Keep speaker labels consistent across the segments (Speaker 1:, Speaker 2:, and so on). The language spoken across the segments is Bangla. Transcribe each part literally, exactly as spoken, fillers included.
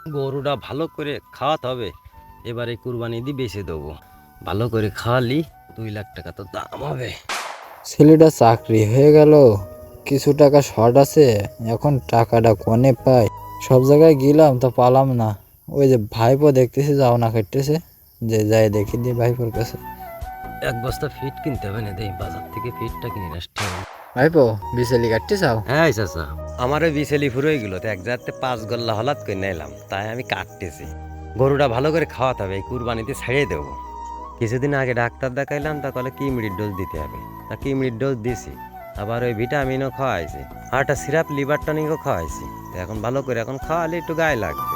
Speaker 1: গরুটা ভালো করে খাওয়াতে হবে, এবারে কুরবানি দিয়ে বেচে দেবো। ভালো করে খাওয়ালি দুই লাখ টাকা তো দাম হবে।
Speaker 2: ছেলেটা চাকরি হয়ে গেল, কিছু টাকা শর্ট আছে, এখন টাকাটা কোনে পাই? সব জায়গায় গেলাম তো পালাম না। ওই যে ভাইপো দেখতেছি যাও না কাটতেছে, যে যাই দেখি দিয়ে ভাইপোর কাছে।
Speaker 1: এক বস্তা ফিট কিনতে হবে না, দেই বাজার থেকে ফিটটা কিনে আসতে হবে।
Speaker 2: ভাইপো বিচেলি কাটতে চাও?
Speaker 1: হ্যাঁ চাচা, আমার ওই বিছেলি ফুরো গেল তো এক জায়গাতে পাঁচ গল্লা হলাত করে নিলাম, তাই আমি কাটতেছি। গরুটা ভালো করে খাওয়াতে হবে, এই কুরবানিতে ছাড়িয়ে দেবো। কিছুদিন আগে ডাক্তার দেখাইলাম, তা কলে কিমড়ির ডোজ দিতে হবে, তা কিমড়ির ডোজ দিছি। আবার ওই ভিটামিনও খাওয়াইছি, আর একটা সিরাপ লিভার টনিকও খাওয়াইছি। তো এখন ভালো করে এখন খাওয়ালে একটু গায়ে লাগবে।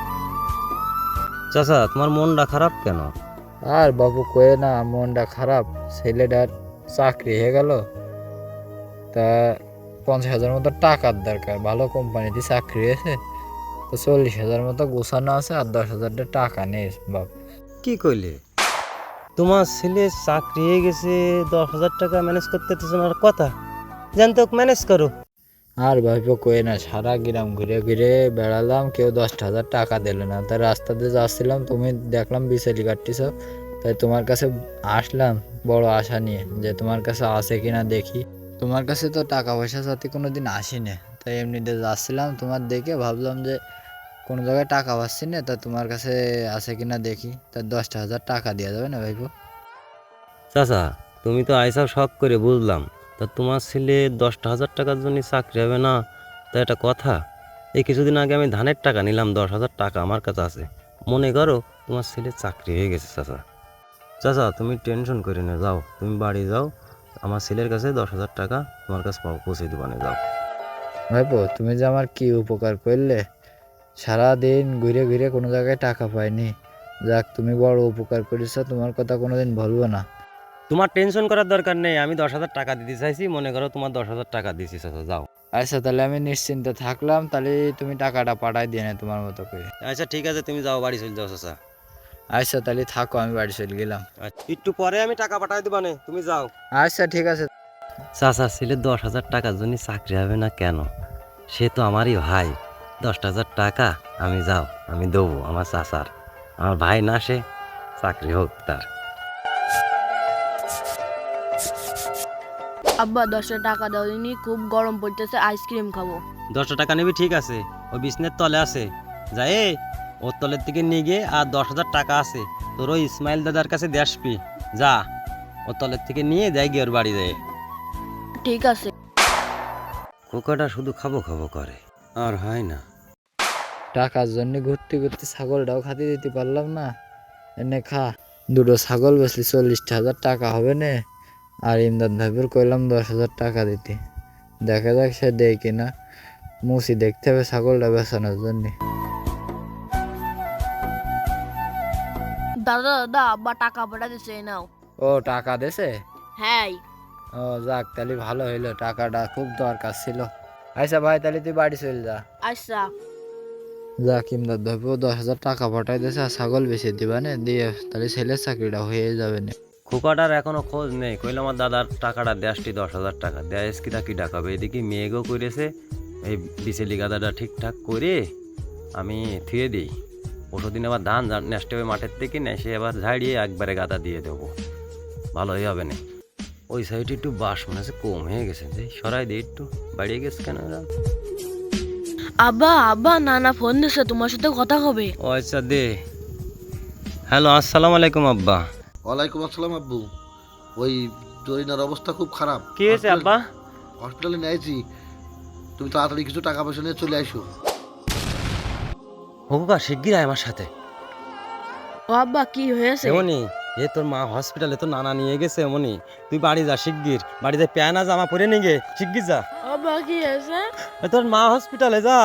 Speaker 1: চাচা তোমার মনটা খারাপ কেন?
Speaker 2: আর বাবু কয়ে না, মনটা খারাপ। ছেলেটার চাকরি হয়ে গেল, তা পঞ্চাশ হাজার মতো টাকার দরকার। ভালো কোম্পানিতে চাকরি হয়েছে, তো চল্লিশ হাজার মতো গোছানো আছে, আর দশ হাজারটা টাকা নেই বাপ।
Speaker 1: কি কইলে? তোমার ছেলে চাকরি হয়ে গেছে, দশ হাজার টাকা ম্যানেজ করতে তোমার কথা জানতো, ম্যানেজ করো।
Speaker 2: আর ভাইপো কয়ে না, সারা গ্রাম ঘুরে ঘুরে বেড়ালাম, কেউ দশটা হাজার টাকা দিল না। তাই রাস্তাতে যাচ্ছিলাম, তুমি দেখলাম বিচেলি কাটতেছ, তাই তোমার কাছে আসলাম বড় আশা নিয়ে, যে তোমার কাছে আছে কিনা দেখি। তোমার কাছে তো টাকা পয়সা সাথে কোনো দিন আসি না, তাই এমনিতে যাচ্ছিলাম, তোমার দেখে ভাবলাম যে কোনো জায়গায় টাকা পাচ্ছি না, তা তোমার কাছে আছে কিনা দেখি। তা দশটা হাজার টাকা দেওয়া যাবে না ভাইপো?
Speaker 1: চাচা তুমি তো আইসাও শখ করে বুঝলাম, তা তোমার ছেলে দশটা হাজার টাকার জন্য চাকরি হবে না? তা এটা কথা? এই কিছুদিন আগে আমি ধানের টাকা নিলাম, দশ হাজার টাকা আমার কাছে আছে। মনে করো তোমার ছেলে চাকরি হয়ে গেছে। চাচা চাচা তুমি টেনশন করে না, যাও তুমি বাড়ি যাও, আমার ছেলের কাছে দশ হাজার টাকা তোমার কাছে পৌঁছে দেবানে, যাও।
Speaker 2: ভাইপো তুমি যে আমার কি উপকার করলে, সারাদিন ঘুরে ঘুরে কোনো জায়গায় টাকা পাইনি। যাক, তুমি বড় উপকার করেছো, তোমার কথা কোনোদিন ভুলবো না।
Speaker 1: তোমার টেনশন করার দরকার নেই, আমি দশ হাজার টাকা দিতে চাইছি, মনে করো তোমার দশ হাজার টাকা দিছি। চাচা যাও।
Speaker 2: আচ্ছা, তাহলে আমি নিশ্চিন্তে থাকলাম, তাহলে তুমি টাকাটা পাঠাই দিয়ে না তোমার মতো করে।
Speaker 1: আচ্ছা ঠিক আছে, তুমি যাও, বাড়ি চলে যাও চাচা।
Speaker 2: আচ্ছা তাহলে থাকো, আমি বাড়ি চলে গেলাম।
Speaker 1: আচ্ছা, একটু পরে আমি টাকা পাঠাই দিবানে, তুমি যাও।
Speaker 2: আচ্ছা ঠিক আছে।
Speaker 1: চাচা ছেলে দশ হাজার টাকার জন্য চাকরি হবে না কেন? সে তো আমারই ভাই। দশ হাজার টাকা আমি যাও আমি দেবো আমার চাচার, আমার ভাই না, সে চাকরি হোক তার।
Speaker 3: আব্বা দশটা টাকা দাও দিনি, খুব গরম পড়তেছে, আইসক্রিম খাবো।
Speaker 1: দশটা টাকা নেবি, ঠিক আছে, ওই বিছনের তলে আছে, যাই ওর তলের থেকে নিয়ে গিয়ে, আর দশ হাজার টাকা আছে তোর ওই ইসমাইল দাদার কাছে দিয়ে আসবি, যা ওর তলের থেকে নিয়ে যাই গিয়ে ওর বাড়ি যায়।
Speaker 3: ঠিক আছে।
Speaker 1: খোকাটা শুধু খাবো খাবো করে, আর হয় না।
Speaker 2: টাকার জন্য ঘুরতে ঘুরতে ছাগলটাও খাতে দিতে পারলাম না। এনে খা, দুটো ছাগল বেচলি চল্লিশটা হাজার টাকা হবে না। আর ইমদাদ ভাইপুর কইলাম দশ হাজার টাকা দিতে, দেখা যাক সে দেয় কিনা। মুসি দেখতে হবে ছাগলটা বেচানোর জন্য।
Speaker 3: দাদা দাদা আব্বা টাকা পাঠা দিছে, এই নাও।
Speaker 2: ও টাকা দেছে?
Speaker 3: হ্যাঁ।
Speaker 2: ও যাক, তাহলে ভালো হইলো, টাকাটা খুব দরকার ছিল। আচ্ছা ভাই, তাহলে তুই বাড়ি চলে যা।
Speaker 3: আচ্ছা।
Speaker 2: যাক, ইমদাদ ভাইপো দশ হাজার টাকা পাঠাই দিয়েছে, আর ছাগল বেচে দিবা না, দিয়ে তাহলে ছেলের চাকরিটা হয়ে যাবে না।
Speaker 1: খোকাটার এখনো খোঁজ নেই, কইলাম আমার দাদার টাকাটা দেশটি দশ হাজার টাকা দেয়, কি তা কি ডাকাবে, এদিকে মেয়েগো করেছে। এই বিচেলি গাদাটা ঠিকঠাক করে আমি থুয়ে দিই, পরশুদিন আবার ধান নেসতে হবে মাঠের থেকে, নেসে আবার ঝাড়িয়ে একবারে গাদা দিয়ে দেবো, ভালোই হবে না। ওই সাইডে একটু বাস মনে হচ্ছে কম হয়ে গেছে, যে সরাই দিই একটু, বাড়িয়ে গেছে কেন ওরা?
Speaker 3: আব্বা আব্বা নানা ফোন দিছে, তোমার সাথে কথা হবে।
Speaker 1: ও আচ্ছা দে। হ্যালো, আসসালামু আলাইকুম আব্বা।
Speaker 4: ওয়ালাইকুম আসসালাম আব্বু। ওই জরিনার অবস্থা খুব খারাপ।
Speaker 1: কি হয়েছে আব্বা?
Speaker 4: হসপিটালে নিয়েছি, তুমি তাড়াতাড়ি কিছু টাকা পয়সা নিয়ে চলে আসো।
Speaker 1: খোকা শিগগির আয় আমার সাথে।
Speaker 3: ও আব্বা কি হয়েছে?
Speaker 1: এমনি এ তোর মা হসপিটালে তো নানা নিয়ে গেছে, এমনি তুই বাড়ি যা শিগগির, বাড়িতে প্যানা জামা পরে নিয়ে গে, শিগগির যা।
Speaker 3: আব্বা কি হয়েছে?
Speaker 1: এ তোর মা হসপিটালে, যা।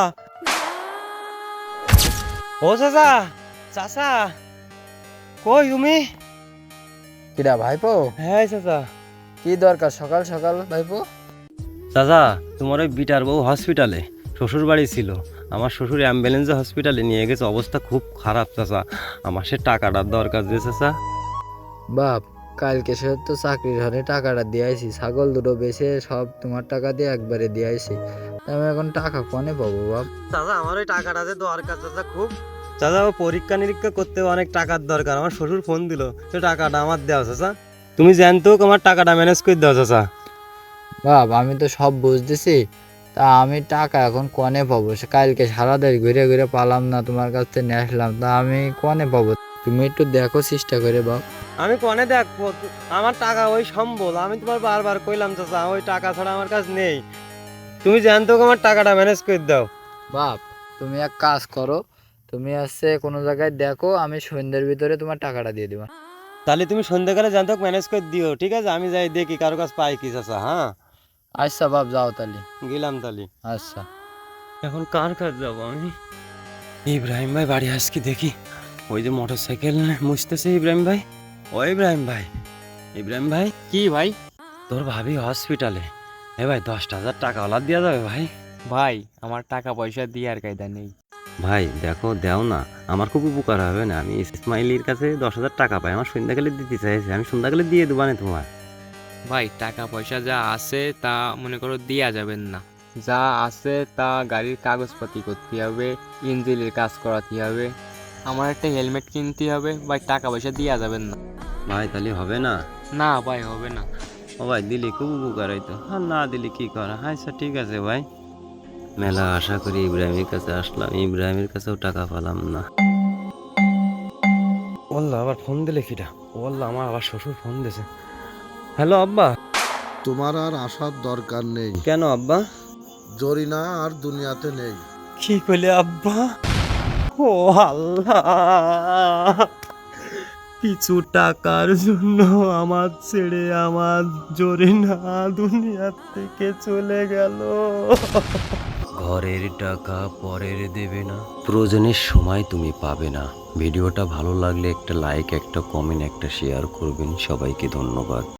Speaker 1: ও চাচা, চাচা কই তুমি?
Speaker 2: কিরা ভাইপো?
Speaker 1: হ্যাঁ চাচা।
Speaker 2: কি দরকার সকাল সকাল ভাইপো?
Speaker 1: চাচা তোমার ওই বিটার বউ হসপিটালে, শ্বশুর বাড়ি ছিল, আমার শ্বশুর অ্যাম্বুলেন্সে হসপিটালে নিয়ে গেছে, অবস্থা খুব খারাপ চাচা, আমার সে টাকাটার দরকার যে চাচা।
Speaker 2: বাপ, কালকে সে তো চাকরির ঘরে টাকাটা দিয়েছি, ছাগল দুটো বেচে সব তোমার টাকা দিয়ে একবারে দিয়েছি। আমি এখন টাকা কনে পাবো বাপ?
Speaker 1: চাচা আমার ওই টাকাটা যে দরকার চাচা খুব, চাচা ও পরীক্ষা নিরীক্ষা করতে অনেক টাকার দরকার, আমার শ্বশুর ফোন দিল, সে টাকাটা আমার দেওয়া চাচা। তুমি জানতো আমার টাকাটা ম্যানেজ করে দাও চাচা।
Speaker 2: বাপ আমি তো সব বুঝতেছি, তা আমি টাকা এখন কনে পাবো? সে কালকে সারা দেশ ঘুরে ঘুরে পালাম না, তোমার কাছ থেকে নিয়ে আসলাম, তা আমি কনে পাবো? তুমি একটু দেখো চেষ্টা করে বাপ।
Speaker 1: আমি কনে দেখবো, আমার টাকা ওই সম্বল, আমি তোমার বারবার কইলাম চাচা ওই টাকা ছাড়া আমার কাছে নেই। তুমি জানতো আমার টাকাটা ম্যানেজ করে দাও।
Speaker 2: বাপ তুমি এক কাজ করো, তুমি আসছে কোনো জায়গায় দেখো, আমি সন্ধ্যের ভিতরে তোমার টাকাটা দিয়ে দেবো।
Speaker 1: তাহলে তুমি সন্ধ্যাকালে জানতো ম্যানেজ করে দিও, ঠিক আছে? আমি যাই দেখি কারো কাছে পাই কি চাচা। হ্যাঁ
Speaker 2: আচ্ছা বাপ, যাও তাহলে।
Speaker 1: গেলাম তাহলে।
Speaker 2: আচ্ছা।
Speaker 1: এখন কার কাছে যাবো আমি? ইব্রাহিম ভাই বাড়ি আস কি দেখি, ওই যে মোটর সাইকেল মুছতেছে ইব্রাহিম ভাই। ও ইব্রাহিম ভাই, ইব্রাহিম ভাই।
Speaker 5: কি ভাই?
Speaker 1: তোর ভাবি হসপিটালে, এ ভাই দশটা হাজার টাকা ওলা দেওয়া যাবে ভাই?
Speaker 5: ভাই আমার টাকা পয়সা দিয়ে আর কায়দা নেই।
Speaker 1: ভাই দেখো দেও না, আমার খুব উপকার হবে না। আমি ইসমাইলির কাছে দশ হাজার টাকা পাই, আমার সন্ধ্যাকালে দিতে চাইছি, আমি সন্ধ্যাকালে দিয়ে দেবো না তোমার।
Speaker 5: ভাই টাকা পয়সা যা আছে তা মনে করো দেয়া যাবেন না, যা আছে তা গাড়ির কাগজপাতি করতে হবে, ইঞ্জিনের কাজ করাতে হবে, আমার একটা হেলমেট কিনতে হবে। ভাই টাকা পয়সা দেওয়া যাবেন না।
Speaker 1: ভাই তাহলে হবে না?
Speaker 5: না ভাই হবে না।
Speaker 1: ও ভাই দিলি খুব উপকার হইতো, আর না দিলি কি করা। আচ্ছা ঠিক আছে ভাই। মেলা আশা করি ইব্রাহিমের কাছে আসলাম, ইব্রাহিমের কাছেও টাকা পেলাম না। ওল্লা আবার ফোন দিলে কিটা? ওল্লা আমার আবার শ্বশুর ফোন দিয়েছে। হ্যালো আব্বা।
Speaker 4: তোমার আর আসার দরকার নেই,
Speaker 1: কেন আব্বা?
Speaker 4: জরিনা আর দুনিয়াতে নেই।
Speaker 1: কি কইলে আব্বা? ও আল্লাহ, কিছু টাকার জন্য আমার ছেড়ে আমার জরিনা দুনিয়া থেকে চলে গেল। ঘরের টাকা পরের দেবে না, প্রয়োজনের সময় তুমি পাবে না। ভিডিওটা ভালো লাগলে একটা লাইক, একটা কমেন্ট, একটা শেয়ার করবেন। সবাইকে ধন্যবাদ।